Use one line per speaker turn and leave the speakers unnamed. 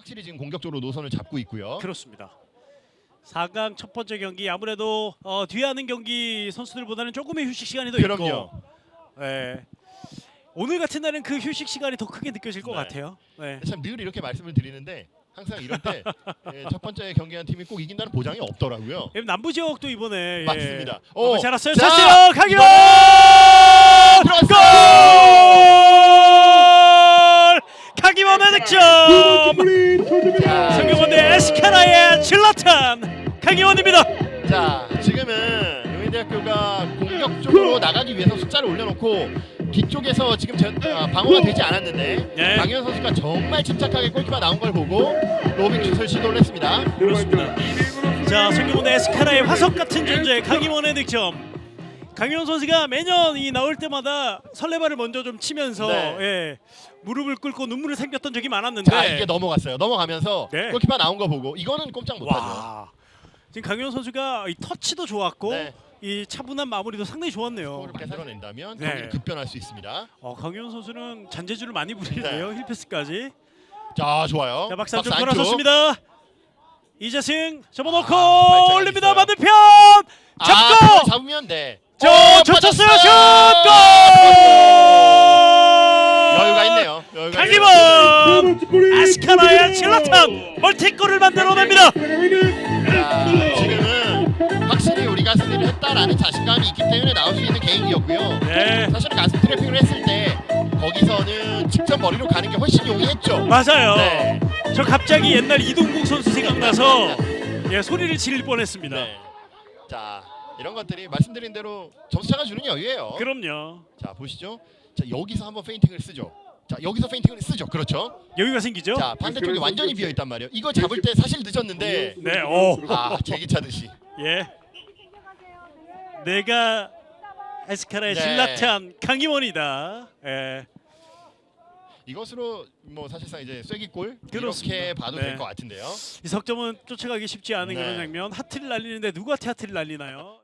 확실히 지금 공격적으로 노선을 잡고 있고요.
그렇습니다. 4강 첫 번째 경기 아무래도 뒤에 하는 경기 선수들보다는 조금의 휴식 시간이 더
그럼요.
있고, 네. 오늘 같은 날은 그 휴식 시간이 더 크게 느껴질 것
네.
같아요. 네.
참 늘 이렇게 말씀을 드리는데 항상 이럴 때 첫 번째 경기한 팀이 꼭 이긴다는 보장이 없더라고요.
남부 지역도 이번에
맞습니다.
잘 왔어요.
자,
찼어요. 강희원
들어왔어요.
골! 강희원의 득점. 성균관대 에스카라의 질라탄 강희원입니다.
자, 지금은 용인대학교가 공격적으로 나가기 위해서 숫자를 올려놓고 뒤쪽에서 지금 방어가 되지 않았는데
네.
강현 선수가 정말 침착하게 골키퍼 나온 걸 보고 로빙 슛을 시도를 했습니다.
그렇습니다. 자, 성균관대 에스카라의 화석 같은 존재 강희원의 득점. 강희원 선수가 매년 이 나올 때마다 설레발을 먼저 좀 치면서
네.
예, 무릎을 꿇고 눈물을 삼켰던 적이 많았는데
자, 이게 넘어갔어요. 넘어가면서
네.
골키퍼 나온 거 보고 이거는 꼼짝 못하죠.
와, 지금 강희원 선수가 이 터치도 좋았고
네.
이 차분한 마무리도 상당히 좋았네요.
골을 만들어낸다면
네.
경기를 급변할 수 있습니다.
강희원 선수는 잔재주를 많이 부리는데요. 힐패스까지.
자, 좋아요.
자, 박스 안쪽
안쪽.
돌아섰습니다. 이재승 접어놓고
발차기
올립니다.
있어요.
반대편
그걸
잡고
잡으면 돼.
젖혔어요. 슛! 골!
여유가 있네요. 여유가
강희원 아스카나의 질라탄 멀티골을 만들어냅니다.
자, 지금은 확실히 우리가 승리를 했다라는 자신감이 있기 때문에 나올 수 있는 개인기였고요.
네,
사실 가슴 트래핑을 했을 때 거기서는 직접 머리로 가는 게 훨씬 용이했죠.
맞아요.
네.
저 갑자기 옛날 이동국 선수 생각나서 소리를 지를 뻔했습니다.
네. 자, 이런 것들이 말씀드린 대로 점수차가 주는 여유예요.
그럼요.
자, 보시죠. 자, 여기서 한번 페인팅을 쓰죠. 자, 여기서 페인팅을 쓰죠. 그렇죠.
여유가 생기죠.
자, 반대쪽이 완전히 비어 있단 말이에요. 이거 잡을 때 사실 늦었는데
네,
제기 차듯이.
예. 내가 에스카라의
네.
질라탄 강희원이다. 예.
이것으로 뭐 사실상 이제 쐐기골
그렇습니다.
이렇게 봐도
네.
될 것 같은데요.
이 석점은 쫓아가기 쉽지 않은
네.
그런 장면. 하트를 날리는데 누구한테 하트를 날리나요?